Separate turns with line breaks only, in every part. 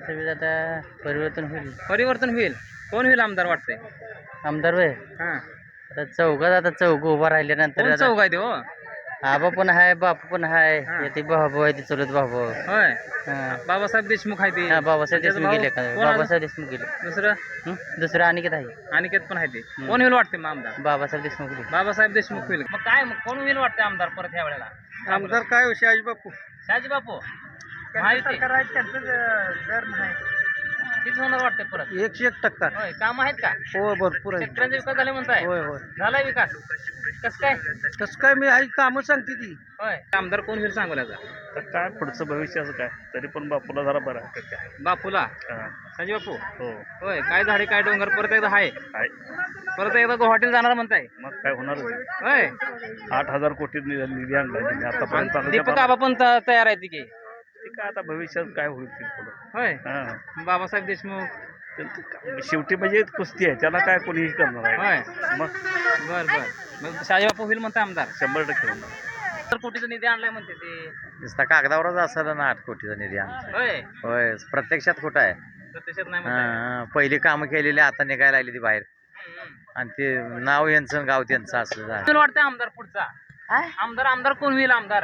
विधानसभेत आता
परिवर्तन होईल. कोण होईल आमदार वाटतंय?
आमदार होय.
हा,
आता चौघ उभा राहिल्यानंतर
कोण चौघ आहे ते हो?
आबा पण आहे, बापू पण आहे,
हा.
ते भाऊ आहे, ते चुलत भाऊ.
होय,
हा.
बाबासाहेब देशमुख आहे ते.
हा, बाबासाहेब
त्याचा
देशमुख
भाऊ
गेले का?
कोण आलं?
बाबासाहेब देशमुख गेले.
दुसरं
दुसरं अनिकेत आहे.
अनिकेत पण आहे ते. कोण होईल वाटते मग आमदार?
बाबासाहेब देशमुख गेले.
बाबासाहेब देशमुख होईल. मग काय मग कोण होईल वाटते आमदार परत ह्या वेळेला?
आमदार काय हो, शहाजी बापू.
शहाजी बापू माहिती
सरकार आहे त्यांचं दर नाही.
तीच होणार वाटते परत.
101%.
होय, काम आहेत का?
हो, भरपूर आहे.
शेतकऱ्यांचा विकास झाले म्हणताय?
होय होय.
झालाय विकास? कसं काय?
तसं काय मी आई कामं सांगते ती.
होय, आमदार कोण होईल सांगोल्याचा?
तर काय पुढचं भविष्याचं काय, तरी पण बापूला जरा बरं आहे का काय.
बापूला
हा.
शहाजी बापू.
हो,
होय, काय झाडे काय डोंगर परत एकदा आहे.
आहे.
परत एकदा गुवाहाटीला जाणार म्हणताय?
मग काय होणार
होय,
8,000 कोटी निधी आणला त्यांनी आतापर्यंत.
आणि दीपक आबा पण तयार आहे की?
ते काय आता भविष्यात काय होईल ते पुढं.
होय,
हा.
बाबासाहेब देशमुख.
त्यांचं काय, शेवटी म्हणजे कुस्ती आहे, त्याला काय कोणीही करणार आहे.
होय,
मग
बर बर. मग शहाजी बापू होईल म्हणताय आमदार?
100% होणार.
तर कोटीचा निधी आणलाय म्हणते ते.
नुसता कागदावरच असायला ना 8 कोटीचा निधी आमचा.
होय,
होय, प्रत्यक्षात कुठं आहे?
प्रत्यक्षात नाही म्हणताय.
पहिली कामं केलेली आता निघायला लागली ती बाहेर, आणि ते नाव यांचं गाव त्यांचं असं झालं.
कोण वाटतंय आमदार पुढचा? आमदार कोण होईल आमदार?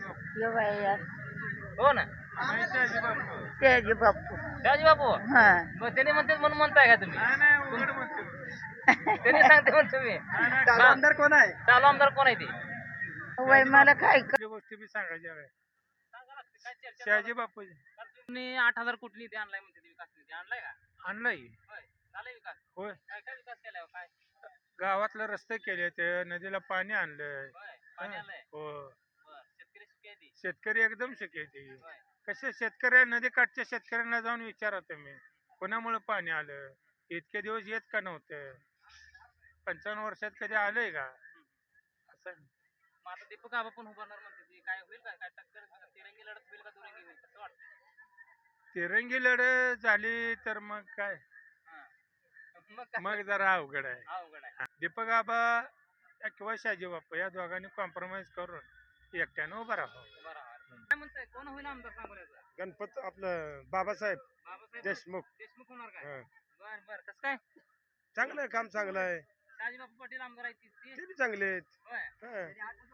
हो ना,
शहाजी बापू.
शहाजी बापू.
हा.
मग त्याने म्हणते म्हणून म्हणताय का तुम्ही? त्याने सांगते म्हणतो तुम्ही.
आमदार कोण आहे?
चालू आमदार कोण आहे ते?
वय मला काय
गोष्टी बी सांगायच्या आहे. शहाजी बापू
तुम्ही 8,000 कोटी निधी आणलाय म्हणते ते. विकास निधी आणलाय का?
आणलाय.
होय, झालाय विकास?
होय.
काय काय विकास केलाय हो? काय?
गावातले रस्ते केले, ते नदीला पाणी आणलंय.
होय, पाणी आणलंय.
हो.
बर, शेतकरी सुखी आहे ते?
शेतकरी एकदम सुखी आहे ते.
होय.
कसे शेतकऱ्या नदीकाठच्या शेतकऱ्यांना जाऊन विचारा तुम्ही, कोणामुळे पाणी आलं, इतके दिवस येत का नव्हतं, 55 वर्षात कधी आलंय का असं.
मग आता दीपक आबा पण उभारणार म्हणते ते. काय होईल का? काय टक्कर तिरंगी लढत होईल का दुरंगी होईल? कसं वाटतं?
तिरंगी लढत झाली तर मग काय,
हा. मग काय?
मग जरा अवघड आहे.
अवघड आहे.
दीपक आबा किंवा शहाजी बापू या दोघांनी कॉम्प्रोमाइज करून एकट्यानं उभा राहावं.
बरं. काय म्हणताय, कोण होईल आमदार सांगोल्याचा?
गणपत आपलं बाबासाहेब
बाबासाहेब
देशमुख.
देशमुख होणार काय?
हं.
बर बर. कसं काय?
चांगलं आहे, काम चांगलं आहे.
शहाजी बापू पाटील आमदार आहेत ते?
ते बी चांगले आहेत.
होय.
हं.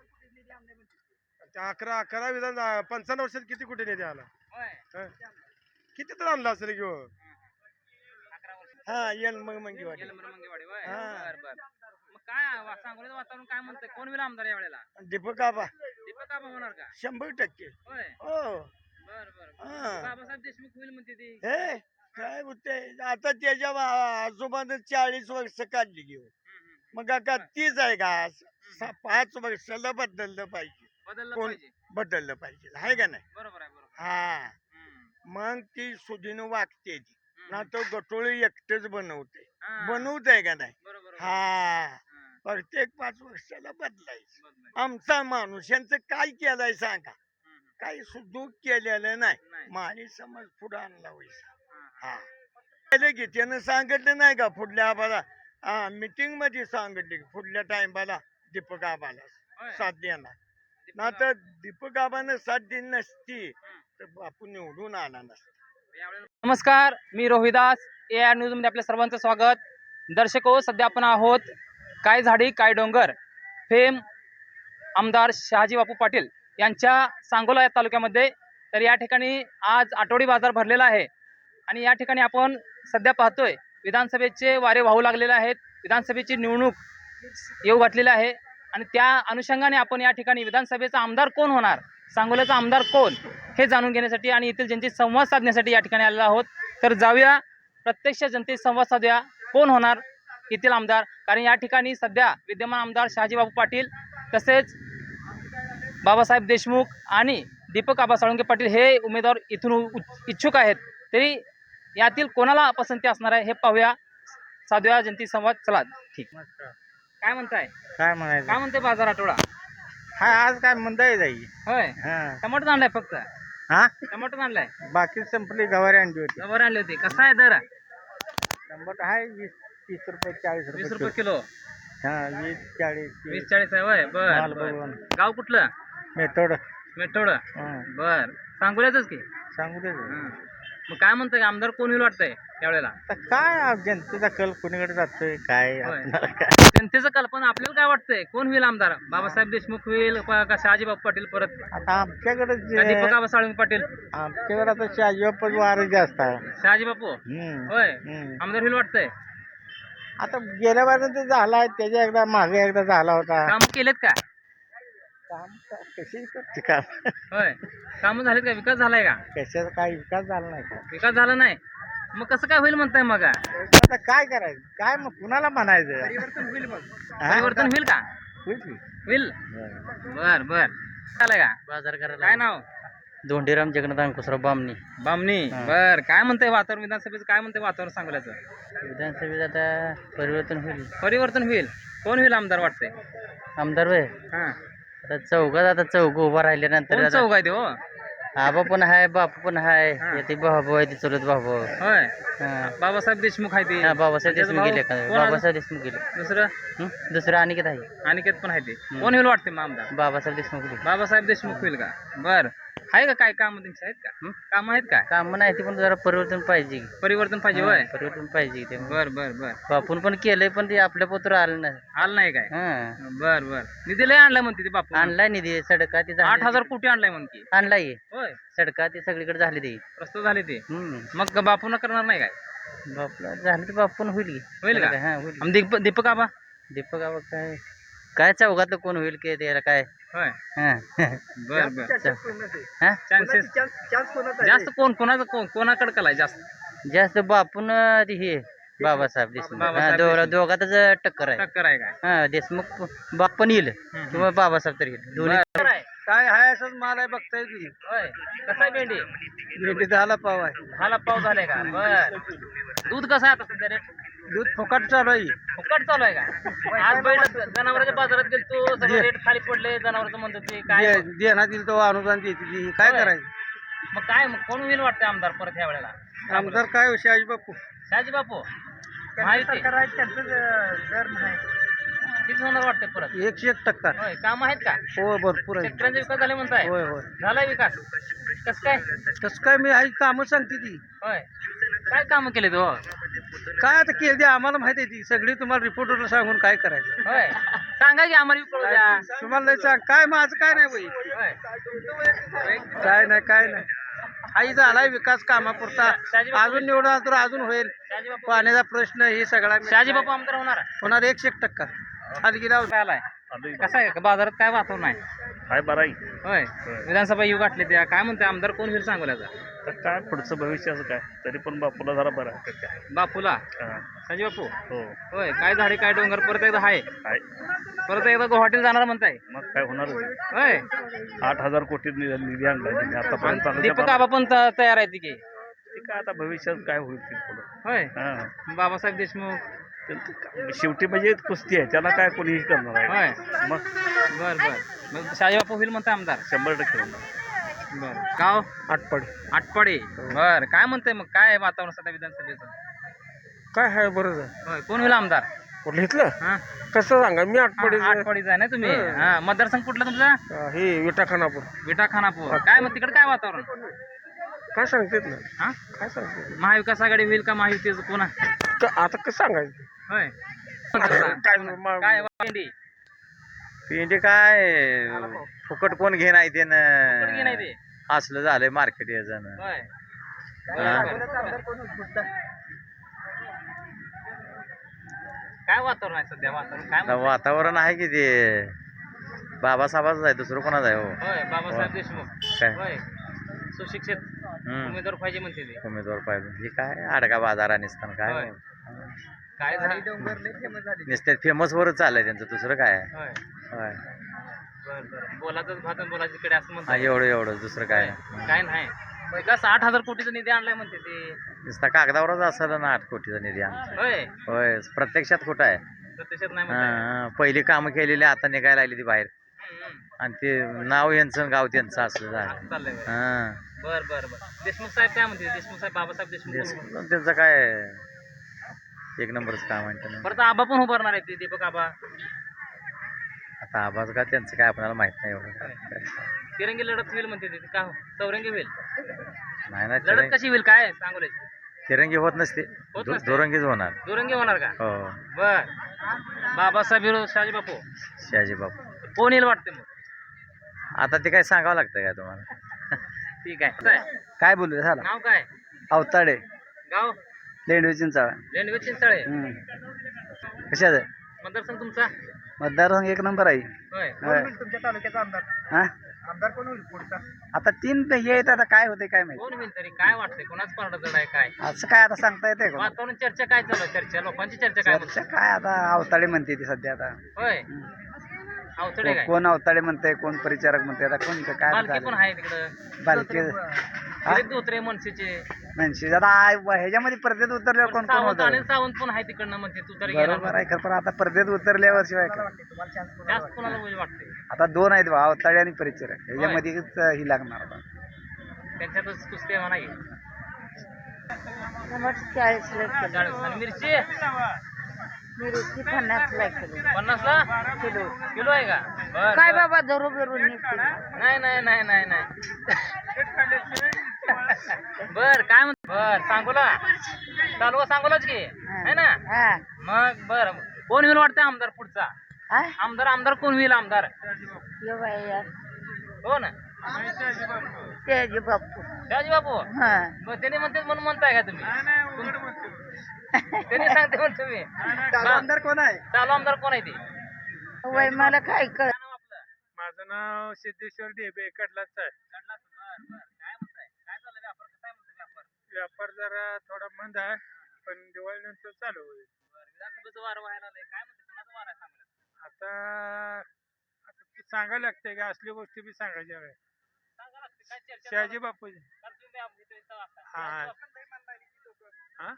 त्या 11 विधान 55 वर्षात किती कुठे निधी आला.
होय.
हं. किती तर आणला असेल किंवा
11 वर्ष.
हा येल मग मंगीवाडी.
गेलं बरं मंगेवाडी. होय.
हा.
बर बर. मग काय सांगोल्याचं वातावरण काय म्हणतंय? कोण होईल आमदार या वेळेला?
दीपक आबा
दीपक आबा होणार का?
100%.
होय.
हो.
बर बर.
हा.
बाबासाहेब देशमुख होईल म्हणते ते.
हे काय होते आता त्याच्या आजोबानं 40 वर्ष काढली घेऊ, मग आता तीच आहे का? 5 वर्षाला बदललं पाहिजे.
बदललं
कोण?
पाहिजे.
बदललं पाहिजे, आहे का नाही?
बरोबर आहे. बरोबर.
हा.
हम्म.
मग ती सुधीनं वागते ती
हम्म.
ना, तो गटोळी एकटेच बनवते.
हा.
बनवत आहे का नाही?
बरोबर.
हा.
हा.
प्रत्येक 5 वर्षाला बदलायचं.
बदलायचं.
आमचा माणूस यांचं काय केलंय सांगा?
हम्म.
काही सुधूक केलेलं नाही.
नाही.
माणी समज पुढे आणला वैसा.
हा.
हा. पहिले की त्यानं सांगितलं नाही का पुढल्या आबाला? हा, मीटिंग मध्ये सांगितले की पुढल्या टाइमला दीपक आबाला
होय.
साथ देणार.
दीपक
ना तर दीपक आबानं साथ दिली नसती
हम्म.
तर बापू निवडून आला नसता.
यावेळेला- नमस्कार, मी रोहिदास. AR न्यूज मध्ये आपल्या सर्वांचं स्वागत. दर्शको, सध्या आपण आहोत काय झाडी काय डोंगर फेम आमदार शहाजी बापू पाटील यांच्या सांगोला या तालुक्यामध्ये. तर या ठिकाणी आज आठवडी बाजार भरलेला आहे आणि या ठिकाणी आपण सध्या पाहतोय विधानसभेचे वारे वाहू लागलेले आहेत. विधानसभेची निवडणूक येऊ घातलेली आहे आणि त्या अनुषंगाने आपण या ठिकाणी विधानसभेचा आमदार कोण होणार, सांगोल्याचा आमदार कोण, हे जाणून घेण्यासाठी आणि येथील जनतेशी संवाद साधण्यासाठी या ठिकाणी आलेलो आहोत. तर जाऊया, प्रत्यक्ष जनतेशी संवाद साधूया, कोण होणार येथील आमदार. कारण या ठिकाणी सध्या विद्यमान आमदार शहाजी बापू पाटील तसेच बाबासाहेब देशमुख आणि दीपक आबा साळुंके पाटील हे उमेदवार इथून इच्छुक आहेत. तरी यातील कोणाला पसंती असणार आहे हे पाहूया, साधूया जनतेशी संवाद. चला, ठीक. काय म्हणताय?
काय म्हणायचं?
काय म्हणते बाजार आठवडा?
हा, आज काय म्हणताय जाई?
होय. टमाटर आणलाय फक्त?
हा,
टमाटर आणलाय?
बाकी संपली, गवारी आणली होती.
गवार आणली होती. कसा आहे दर?
टमाटर आहे 20-30 रुपये, 40
20 रुपये किलो.
हा, 20-40.
20-40 आहे. होय.
माल
बर
बघून.
गाव कुठलं?
Method
method. बर, सांगोल्याच की?
सांगू दे.
मग काय म्हणताय आमदार कोण होईल वाटतंय त्यावेळेला?
आता काय जनतेचा कल कोणीकडे जातोय काय
होय.
आपणाला काय
जनतेचं कल्पना आपल्याला काय वाटतंय कोण होईल आमदार? बाबासाहेब देशमुख होईल का शहाजीबापू पाटील परत
आता आमच्याकडे
का दीपक आबा साळुंके पाटील?
आमच्याकडे आता शाजीबापच वार जास्त आहे
शहाजीबापू होय आमदार होईल वाटतंय.
आता गेल्या वेळेला ते झाला त्याच्या एकदा मागे एकदा झाला होता
काम केलेत का?
काम कशी करते काम
होय काम झालेत का? विकास झालाय का?
कशाचा काय विकास झाला नाही का
विकास झाला नाही मग कसं काय होईल म्हणताय मग?
आता काय करायचं काय मग कुणाला म्हणायचं
परिवर्तन होईल का?
होईल की?
होईल बर बर झालाय का?
बाजार करायला
काय नाव?
धोंडीराम जगन्नाथ अंकुशराव बामणी.
बामणी बर काय म्हणताय वातावरण विधानसभेचं काय म्हणताय वातावरण सांगल्याचं?
विधानसभेत आता परिवर्तन होईल.
परिवर्तन होईल कोण होईल आमदार वाटतंय?
आमदार वय
हा
आता चौघात आता चौघ उभा राहिल्यानंतर
कोण
आता
चौघ आहे ते हो?
आबा पण आहे बापू पण
हा.
आहे ते भाऊ आहे ते चुलत भाऊ.
होय
हा
बाबासाहेब देशमुख आहे ते.
बाबासाहेब
त्याचा
देशमुख
भाऊ?
गेले का?
कोण आहे?
बाबासाहेब देशमुख गेले.
दुसरं
दुसरं अनिकेत आहे
अनिकेत पण आहे ते. कोण होईल वाटते मग आमदार?
बाबासाहेब देशमुख गेले.
बाबासाहेब देशमुख होईल का? बर आहे का काय काम त्यांची आहेत का? काम आहेत का?
काम नाही ते पण जरा परिवर्तन पाहिजे.
परिवर्तन पाहिजे होय.
परिवर्तन पाहिजे ते
बर बर बर
बापून पण केलंय पण ते आपल्या पोत्र आलं नाही.
आलं नाही काय?
हा
बर बर निधी लय आणलाय म्हणते ते बापू.
आणलाय निधी सडका ते
8,000 कोटी आणलाय म्हणते.
आणलाय
होय
सडका ते सगळीकडे झाले ते.
प्रस्तुत झाले ते. मग बापून करणार नाही काय?
बापला झालं तर बापून होईल की.
होईल का?
हा होईल.
आम दीपक आबा
दीपक आबा काय काय चौघातलं कोण होईल की त्याला काय.
होय
हा
बर बर
हा?
चान्सेस जास्त कोणाचं कोणाकडे कलाय जास्त?
जास्त बापून ते हे बाबासाहेब देशमुख.
बाबासाहेब
हा,
देशमुख.
दोघातच टक्कर आहे.
टक्कर आहे काय?
हा देशमुख बाप पण येईल किंवा बाबासाहेब तर येईल दोन्ही.
बरं आहे.
काय आहे असंच माल आहे बघताय की
होय कसं आहे भेंडी?
भेंडी झाला पाव आहे
हाला पाव झालाय का? बर दूध कसं आहे आता सध्या रेट?
दूध फुकट चालू आहे
फुकट चालू आहे का? आज बैल जनावरांच्या बाजारात गेलतो सगळं रेट खाली पडले जनावरचं म्हणतात ते काय?
देण्यात येईल तो अनुदान देते काय
होय.
करायचं
मग काय मग कोण होईल वाटतं आमदार परत ह्या वेळेला?
आमदार काय शाजी बापू
शहाजी बापू माहिती
त्यांचं दर नाही
किती होणार वाटतं परत?
101%.
होय काम आहेत का?
हो भरपूर आहे
शेतकऱ्यांचा विकास झाला म्हणताय?
होय होय
झालाय विकास कसं काय?
तसं काय मी आई कामं सांगते ती
होय काय कामं केले तो?
काय आता केली ती आम्हाला माहिती आहे ती सगळी तुम्हाला रिपोर्टरला सांगून काय करायचं
होय सांगा की आम्हाला बी कळू द्या.
तुम्हाला नाही सांग काय माझं काय नाही बाई
होय
काय नाही आई झालाय विकास कामापुरता अजून निवडून आला तर अजून होईल
शहाजी बापू
पाण्याचा प्रश्न ही सगळा
शहाजी बापू आमदार होणार
होणार 101%. खाली गेला
काय आलाय कसं आहे बाजारात काय वातावरण आहे?
काय बरं आहे.
होय विधानसभा येऊ गाठले त्या काय म्हणते आमदार कोण होईल सांगोल्याचा?
तर काय पुढचं भविष्याचं काय तरी पण बापूला जरा बरं आहे का काय.
बापूला
हा.
शहाजी बापू
हो
होय काय झाडे काय डोंगर परत एकदा आहे
आहे
परत एकदा गुवाहाटीला जाणार म्हणताय
मग काय होणारच आहे.
होय
8,000 कोटी निधी आणला त्यांनी आतापर्यंत
आणि दीपक आबा पण तयार आहे की
ते काय आता भविष्यात काय होईल ते पुढं.
होय
हा
बाबासाहेब देशमुख
त्यांचं काय- शेवटी म्हणजे कुस्ती आहे त्याला काय कोणीही करणार आहे.
होय
मग
बर बर मग शहाजी बापू होईल म्हणताय आमदार?
100% होणार.
बर गाव
आटपड
आटपाडी बर काय म्हणताय मग काय वातावरण सध्या विधानसभेचं?
काय आहे बरं आहे
होय कोण होईल आमदार?
कुठलं इथलं
हा
कसं सांगा मी आटपडी
आटपाडीचा आहे ना तुम्ही? हा मतदारसंघ कुठला तुमचा?
हे विटा खानापूर
विटा खानापूर काय मग तिकडे काय वातावरण?
काय सांगतेत ना
हा
काय सांगते
महाविकास आघाडी होईल का महायुतीचं कोणा?
आता कसं सांगायचं
होय
काय
काय भेंडी
पेंडी काय फुकट कोण घे नाही ते
कुठं घे नाही ते?
असलं झालंय मार्केट याचं.
होय
हा.
काय वातावरण आहे सध्या वातावरण काय
आता
म्हणताय?
वातावरण आहे की ते बाबासाहेबाच आहे दुसरं कोणाच आहे हो
होय बाबासाहेब देशमुख
काय
होय सुशिक्षित उमेदवार पाहिजे म्हणते ते.
उमेदवार पाहिजे हे काय अडका बाजार निसताना काय
होय. काय झालं?
नुसते फेमस वरच चाललंय त्यांचं दुसरं काय आहे.
होय
होय
बर बर बोलातच भात आणि बोलायची कडे असं
हा
म्हणतात.
एवढं दुसरं काय नाही.
काय नाही विकास 8,000 कोटीचा निधी आणलाय म्हणते ते.
नुसता कागदावरच असेल ना 8 कोटीचा निधी आमचा.
होय
होय प्रत्यक्षात कुठं आहे.
प्रत्यक्षात नाही म्हणताय.
पहिली कामं केलेली आता निघायला लागली ती बाहेर
हम्म.
आणि ते नाव यांचं आणि गाव त्यांचं असलं झालं.
असं चाललंय होय.
हा
बर बर बर देशमुख साहेब काय म्हणते? देशमुख साहेब बाबासाहेब देशमुख कोण म्हणते?
देश- त्यांचं काय एक नंबरच काम आहे त्यांना.
परत आबा पण उभारणार आहे ते दीपक आबा
आता आवाज का त्यांचं काय आपल्याला माहित नाही एवढं.
तिरंगी लढत होईल म्हणते ते का चौरंगी होईल?
नाही ना
लढत कशी होईल काय सांगोल्याची
तिरंगी होत नसते
होत नसते?
दुरंगीच होणार.
दुरंगी होणार का?
हो
बर. बाबासाहेब विरोध शहाजी बापू
शहाजी बापू.
कोण येईल वाटते मग?
आता ते काय सांगावं लागतं का तुम्हाला?
ठीक आहे काय?
काय बोलू झालं
नाव काय?
अवताडे
गाव
लेंडवे चिंचाळा
लेंडवे चिंचाळे.
कशाचं
मतदारसंघ तुमचा?
मतदारसंघ एक नंबर आहे.
होय.
होय.
तुमच्या तालुक्याचा आमदार
हा
आमदार कोण होईल पुढचा?
आता 3 हे आहेत, आता काय होते काय माहिती.
कोण होईल तरी काय वाटतंय कोणाच पारडं जड आहे काय?
असं काय आता सांगता येते का?
वातावरण चर्चा काय चालू आहे? चर्चा लोकांची चर्चा काय
चर्चा
म्हणते?
काय आता अवताडे म्हणते ती सध्या आता.
होय. अवतडे काय?
कोण अवताडे म्हणते, कोण परिचारक म्हणते, आता कोण काय
बालकी पण आहे तिकडं.
बालके
दिलीप धोत्रे मनसेचे.
म्हणजे आता ह्याच्यामध्ये स्पर्धेत उतरल्यावर कोण कोण
सावंत
होतं?
अनिल सावंत पण आहे तिकडनं म्हणते तू तरी गेला
बरोबर आहे खरं, पण आता स्पर्धेत उतरल्यावर शिवाय काय?
जास्त कोणाला होईल वाटते?
आता 2 आहेत बा, अवताडे आणि परिचारक, ह्याच्यामध्येच ही लागणार आता.
त्यांच्यातच कुस्ती म्हणा की.
टमाटर 40 ला किलो
40 आणि मिरची
मिरची 50 ला किलो
50 ला
किलो.
किलो आहे का? बर
काय
बर.
बाबा धरू बिरून निघते.
नाही नाही नाही नाही नाही बर काय म्हणत बर सांगोला तालुका सांगोलाच की है ना?
हा
मग बर कोण होईल वाटतं आमदार पुढचा?
हा
आमदार कोण होईल आमदार?
ये बाई यार
हो ना
त्याचे बापू.
शहाजी बापू.
हा
मग त्याने म्हणते म्हणून म्हणताय का तुम्ही? त्याने सांगते म्हणतो तुम्ही.
आमदार कोण आहे?
चालू आमदार कोण आहे ते?
वय मला काय कळ.
काय नाव आपलं?
माझं नाव सिद्धेश्वर डेबे कडलाच आहे.
काय म्हणताय? काय चाललंय व्यापार? काय म्हणतोय व्यापार?
व्यापार जरा थोडा मंद आहे, पण दिवाळीनंतर चालू होईल.
विधानसभेचं वारं व्हायला आलंय. काय म्हणते कोणाचं वारं आहे सांगा?
आता आता ते सांगायला लागतंय का असली गोष्टी बी सांगायच्या आहे.
सांगा लागते काय चर्चा
शहाजी बापू
चालू आहे? तुम्ही आमच्या इथं असता.
हा हा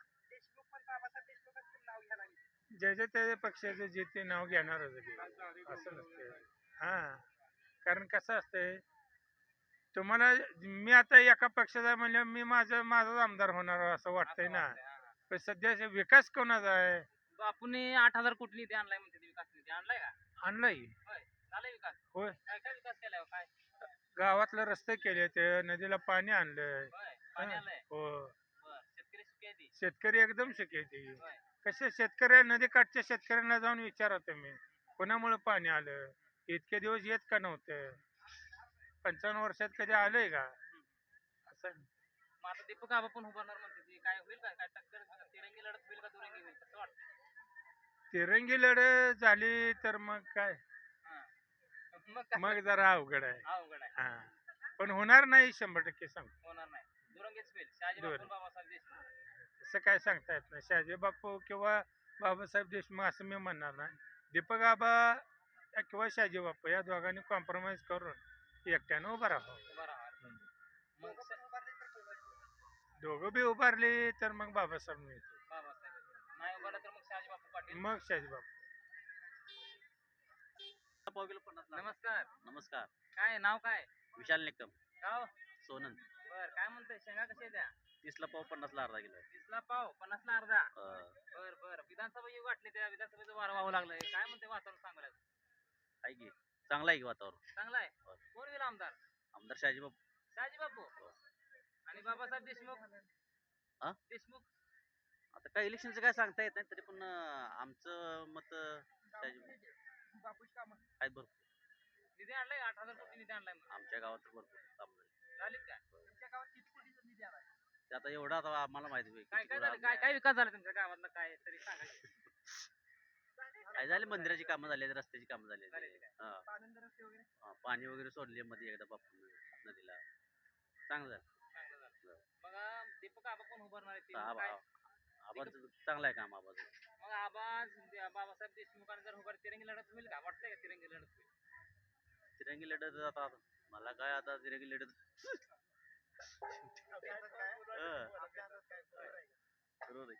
ज्याच्या त्याच्या पक्षाचं जे ते नाव घेणारच आहे ते. असं नसतंय. हा कारण कसं असतंय, तुम्हाला मी आता एका पक्षाचा म्हणजे मी माझाच आमदार होणार असं वाटतंय ना. पण सध्या विकास कोणाचा आहे?
आपण 8,000 कोटी निधी आणलाय म्हणते ते. विकास निधी आणलाय का?
आणलाय.
होय झालाय विकास.
होय,
काय काय विकास केलाय हो? काय
गावातले रस्ते केले, ते नदीला पाणी आणलंय.
होय पाणी आलंय.
हो,
बर शेतकरी सुखी आहे ती.
शेतकरी एकदम सुखी आहे ते.
होय.
कसे शेतकऱ्या नदीकाठच्या शेतकऱ्यांना जाऊन विचारा तुम्ही, कोणामुळे पाणी आलं? इतके दिवस येत का नव्हतं? 55 वर्षात कधी आलंय का? असं
मग आता दीपक आबा पण उभारणार म्हणते ती. काय होईल काय? काय टक्कर तिरंगी लढत होईल का दुरंगी होईल? कसं वाटतं?
तिरंगी लढत झाली तर मग काय,
हा. मग काय?
मग जरा अवघड आहे.
अवघड आहे.
हा, पण होणार नाही 100% सांगतो.
होणार नाही. दुरंगीच होईल. शहाजी
दुरंगी.
बापू बाबासाहेब देशमुख.
असं काय सांगता येत नाही. शहाजी बापू किंवा बाबासाहेब देशमुख असं मी म्हणणार नाही. दीपक आबा किंवा शहाजी बापू या दोघांनी कॉम्प्रोमाइज करून एकट्यानं उभा राहावं.
उभा राहा. मग
दोघं बी उभारले तर मग बाबासाहेब मिळतो,
बाबासाहेब नाही उभारला तर मग शहाजी बापू पाटील.
मग शहाजी बापू.
नमस्कार.
नमस्कार.
काय नाव काय?
विशाल निकम.
गाव
सोनन.
बर काय म्हणतोय? शेंगा कशा द्या?
30ला पाव 50ला अर्धा किलो आहे.
30ला पाव 50ला अर्धा.
अं,
बर बर विधानसभा येऊ वाटली, त्या विधानसभेचं वारं व्हावं लागलंय. काय म्हणते वातावरण सांगायला?
आहे की चांगलं आहे की वातावरण.
चांगला आहे. कोण होईल आमदार?
आमदार शहाजी बापू.
शहाजी बापू आणि बाबासाहेब देशमुख.
हा?
देशमुख
आता काय इलेक्शनचं काय सांगता येत नाही, तरी पण आमचं मत शहाजी आहेत भरपूर.
निधी आणलाय 8,000 कोटी निधी आणलाय म्हणून.
आमच्या गावात तर भरपूर काम झाले.
झालीत काय? तुमच्या गावात किती कोटीचा निधी आलाय?
ते आता एवढं आता आम्हाला माहिती होईल
काय
किती
काय
कुठं
झालं? काय काय विकास झाला तुमच्या गावातला काय तरी सांगा.
काय झाले, मंदिराची कामं झाली, रस्त्याची कामं झाली.
झालेली काय?
पाणी वगैरे सोडले मध्ये एकदा बापू नदीला. चांगलं झालं.
चांगलं झालं. मग दीपक आबा कोण उभारणार आहे ते?
आबा
काय?
आबाचं चांगलं आहे काम आबाचं.
मग आबा बाबासाहेब देशमुखांनी जर उभार तिरंगी लढत होईल का? वाटतंय का तिरंगी लढत होईल?
तिरंगी लढत आता मला काय आता तिरंगी लढत बरोबर आहे.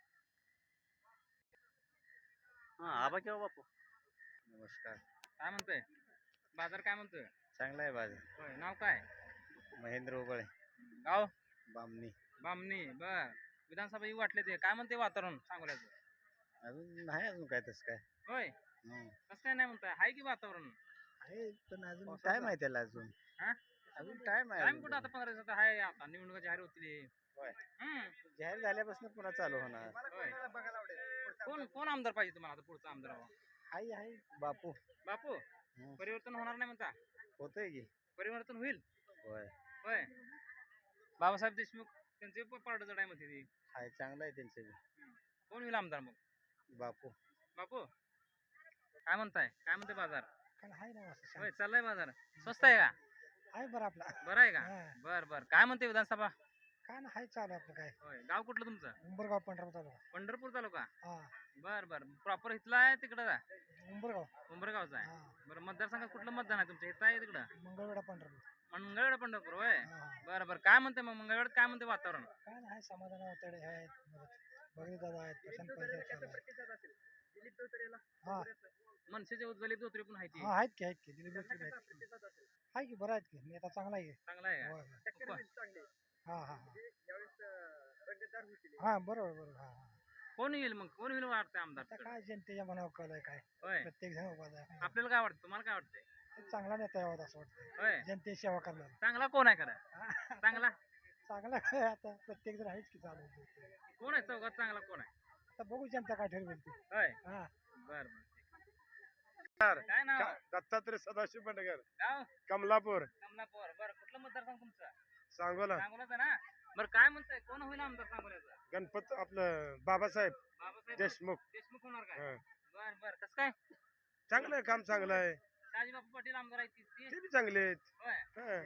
हा आबा किंवा बापू.
नमस्कार.
काय म्हणतोय? बाजार काय म्हणतोय?
चांगला आहे बाजार.
होय नाव काय?
महेंद्र उबळे,
गाव
बामणी.
बामणी. बर विधानसभा येऊ वाटले ते. काय म्हणते वातावरण सांगोल्याचं?
अजून नाही, अजून काय तसं काय.
होय कसं काय नाही म्हणताय? हाय की वातावरण?
आहे पण अजून काय माहिती त्याला अजून.
हा?
अजून टाइम
टाइम कुठं आता 15 दिवसात आहे आता निवडणुका जाहीर होतील.
होय.
हम्म.
जाहीर झाल्यापासून पुन्हा चालू होणार.
होय. कोण आमदार पाहिजे तुम्हाला आता पुढचा आमदार हवा?
आहे बापू
बापू
हम्म.
परिवर्तन होणार नाही म्हणता?
होतंय की.
परिवर्तन होईल.
होय.
होय. बाबासाहेब देशमुख त्यांचे पार्ट जड आहे म्हणते ती.
आहे चांगलं आहे त्यांचं बी.
कोण होईल आमदार मग?
बापू
बापू काय म्हणताय? काय म्हणते बाजार?
आहे ना असं
होय चाललाय बाजार. स्वस्त आहे का?
आहे बरं आपला
बरं आहे का? बर बर. काय म्हणते विधानसभा?
काय ना हाय चालू आपलं काय
होय. गाव कुठलं तुमचं?
उंबरगाव पंढरपूर तालुका
पंढरपूर तालुका.
हा
बर बर. प्रॉपर इथला आहे तिकडं का?
उंबरगाव
उंबरगावचा आहे.
हा
बरं मतदारसंघात कुठलं मतदान आहे तुमच्या इथं आहे तिकडं?
मंगळवेढा पंढरपूर
मंगळवेढा पंढरपूर होय.
हा
बरं बरं. काय म्हणते मग मंगळवेढ्यात काय म्हणते वातावरण?
काय ना हाय समाधान अवतडे आहेत बघी दादा आहेत प्रशांत पाटील हा
मनसेचे उज्ज्वलित धोत्रे पण आहे ती.
हा आहेत की दिलीप जोशी आहेत हाय की बरं आहेत की नेता चांगला आहे की.
चांगला आहे
होय,
का?
होय. हा हा हा बरोबर बरोबर हा हा
कोण येईल मग? कोण होईल वाटतंय आमदार?
आता काय जनतेच्या मनावर कल आहे काय
होय.
प्रत्येक जण उभा आहे
आपल्याला काय वाटतं? तुम्हाला काय वाटतंय?
चांगला नेता यावा असं वाटतं
होय.
जनतेची सेवा करणार
चांगला कोण आहे खरं? चांगला
चांगला काय आता प्रत्येक जण आहेच की चालू
कोण आहे? चौघात चांगला कोण आहे?
आता बघू जनता काय ठरवेल ते
होय.
हा
बर बर. काय नाव?
दत्तात्रय सदाशिव बंडगर
गाव
कमलापूर
कमलापूर. बरं कुठलं मतदारसंघ तुमचं?
सांगोला
सांगोलाचं ना? बरं काय म्हणताय? कोण होईल आमदार सांगोल्याचा?
गणपत आपलं बाबासाहेब
बाबासाहेब
देशमुख
देशमुख होणार काय?
हा.
बर बर. कसं काय?
चांगलं आहे काम चांगलं आहे
शहाजीबापू पाटील आमदार आहेत ती.
ते बी चांगले आहेत
होय.
हा.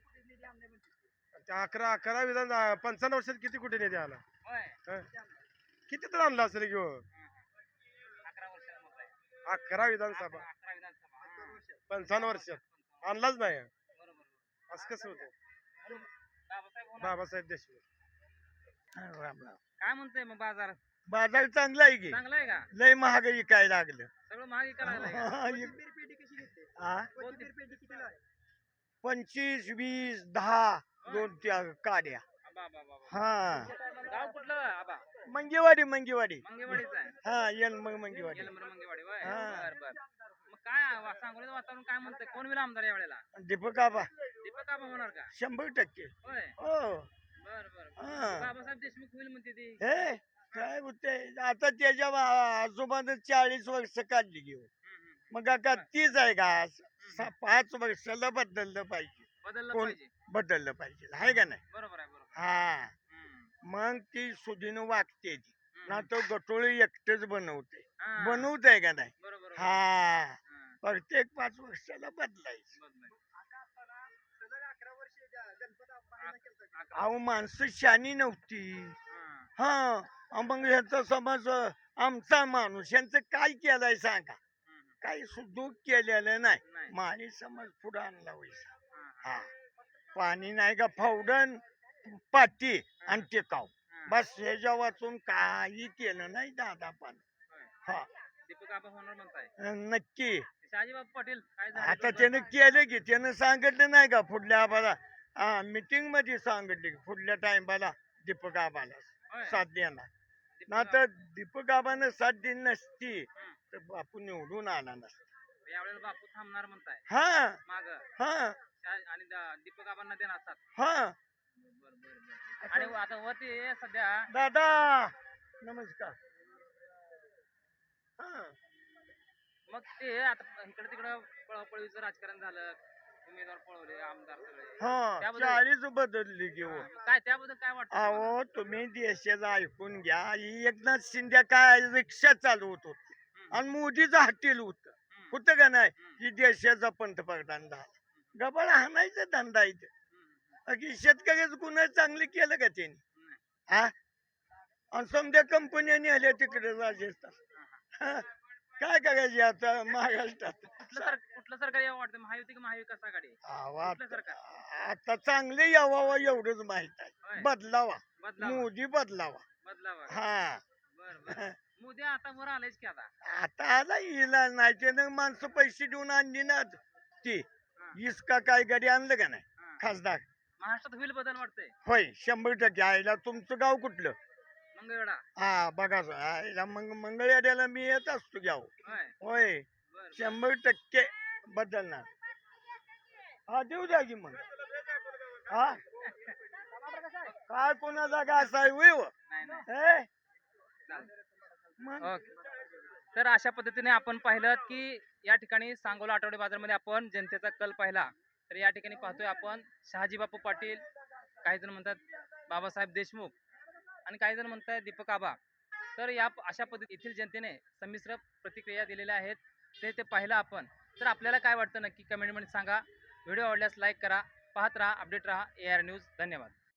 त्या 11 विधान 55 वर्षात किती कुठे नेते आला
होय.
हा. किती तर आणला असेल किंवा
11 वर्षाला मत आहे.
11 विधानसभा
11 विधानसभा. हा.
55 वर्षात आणलाच नाही
बरोबर.
असं कसं होतं
बाबासाहेब होणार.
बाबासाहेब देशमुख
काय म्हणतोय मग बाजार?
बाजार चांगला आहे की
चांगला आहे का?
लय महागाई काय लागलं
सगळं महाग करायला
हा? 25 20 10 दोन त्या काड्या हा
गाव कुठलं आबा?
मंगेवाडी
मंगेवाडीचं आहे.
हा येन मग मंगेवाडी
येलमर मंगेवाडी होय.
हा.
बर बर. मग काय सांगोलीचं वातावरण काय म्हणतंय? कोण होईल आमदार या वेळेला?
दीपक आबा
दीपक आबा होणार का?
100%
होय.
हो
बर बर.
हा.
बाबासाहेब देशमुख होईल म्हणते ती.
हे काय होते आता त्याच्या आजोबानं 40 वर्ष काढली घेऊ मग आता तीच आहे का 5 वर्षाला बदललं पाहिजे
बदललं
कोण?
पाहिजे.
बदललं पाहिजे आहे का नाही
बरोबर आहे बरोबर.
हा
हम्म.
मग ती सुधीनं वागते ती
हम्म.
ना तो गटोळी एकटेच बनवते
हा.
बनवत आहे का नाही
बरोबर बरोबर.
हा
हा.
प्रत्येक 5 वर्षाला बदलायचं
बदलाय.
अहो माणसं शानी नव्हती
हा.
हा मग ह्याचा समज आमचा माणूस यांचं काय केलंय सांगा
हम्म.
काही सुधूक केलेलं नाही
नाही.
माणी समज पुढे आणला वैसा
हा.
हा पाणी नाही का फावडन पाटी आणि टेकाव
हा.
बस ह्याच्या वाचून काही केलं नाही दादा पण
होय.
हा
दीपक आबा होणार म्हणताय.
नक्की
शहाजीबाबू पाटील काय झालं?
आता त्यानं केलं की त्यानं सांगितलं नाही का पुढल्या आबाला हा मीटिंग मध्ये सांगितले की पुढल्या टाइमला दीपक आबाला
होय.
साथ देणार
दीपक
ना तर दीपक आबानं साथ दिली नसती
हम्म.
तर बापू निवडून आला नसता
यावेळेला बापू थांबणार म्हणताय
हा
माग
हा
आणि दीपक आबांना देणार साथ.
हा
बर बर बर. आणि आता वरती सध्या
दादा नमस्कार हा
मग ते आता इकडे तिकडं पळापळीचं राजकारण झालं, उमेदवार पळवले, आमदार सगळे.
हा
त्याबद्दल-
40 बदलली घेऊ
हा, मग काय त्याबद्दल काय वाटतं तुम्हाला?
अहो तुम्ही देशाचं ऐकून घ्या ही एकनाथ शिंदे काय रिक्षा चालवत होत
हम्म.
आणि मोदीचं हॉटेल होतं
हम्म.
होतं का नाही
हम्म.
की देशाचा पंतप्रधान झाला गबाळ हाणायचा धंदा इथे
हम्म.
की शेतकऱ्याचं गुन्हा चांगले केलं का त्यांनी
नाही.
हा आणि समजा कंपन्यांनी आल्या तिकडे राजस्थान हा, काय करायचे आता महाराष्ट्रात
कुठलं सरकार यावं वाटतं? महायुती की महाविकास आघाडी?
आवा,
कुठलं सरकार?
आता चांगले यावावं एवढंच माहित
होय.
आहे बदलावा
बदलावा
मोदी बदलावा
बदलावा.
हा
बर बर. मोदी आता वर आलायच की आता.
आता आला इलाज नाही त्यानं माणसं पैसे देऊन आणली ना ती
हा.
इसका काय गाडी आणलं का नाही
हा.
खासदार
महाराष्ट्रात होईल बदल वाटतंय.
होय 100% आईला तुमचं गाव कुठलं
मंगळवेढा.
हा बघा आईला मंगळवाड्याला मी येत असतो गाव
होय.
होय
बर बर.
100% बदलणार हा देऊ द्या की मग हा काय कोणाचा का असा आहे होय हो? हे? मग
ओके. तर अशा पद्धतीने आपण पाहिलं की या ठिकाणी सांगोला आठवडे बाजारमध्ये आपण जनतेचा कल पाहिला. तर या ठिकाणी पाहतोय आपण शहाजी बापू पाटील, काही जण म्हणतात बाबासाहेब देशमुख आणि काही जण म्हणतात दीपक आबा. तर या अशा पद्धती येथील जनतेने संमिश्र प्रतिक्रिया दिलेल्या आहेत. ते पाहिलं आपण. तर आपल्याला काय वाटतं नक्की कमेंटमध्ये सांगा. व्हिडिओ आवडल्यास लाईक करा. पाहत राहा, अपडेट राहा AR न्यूज. धन्यवाद.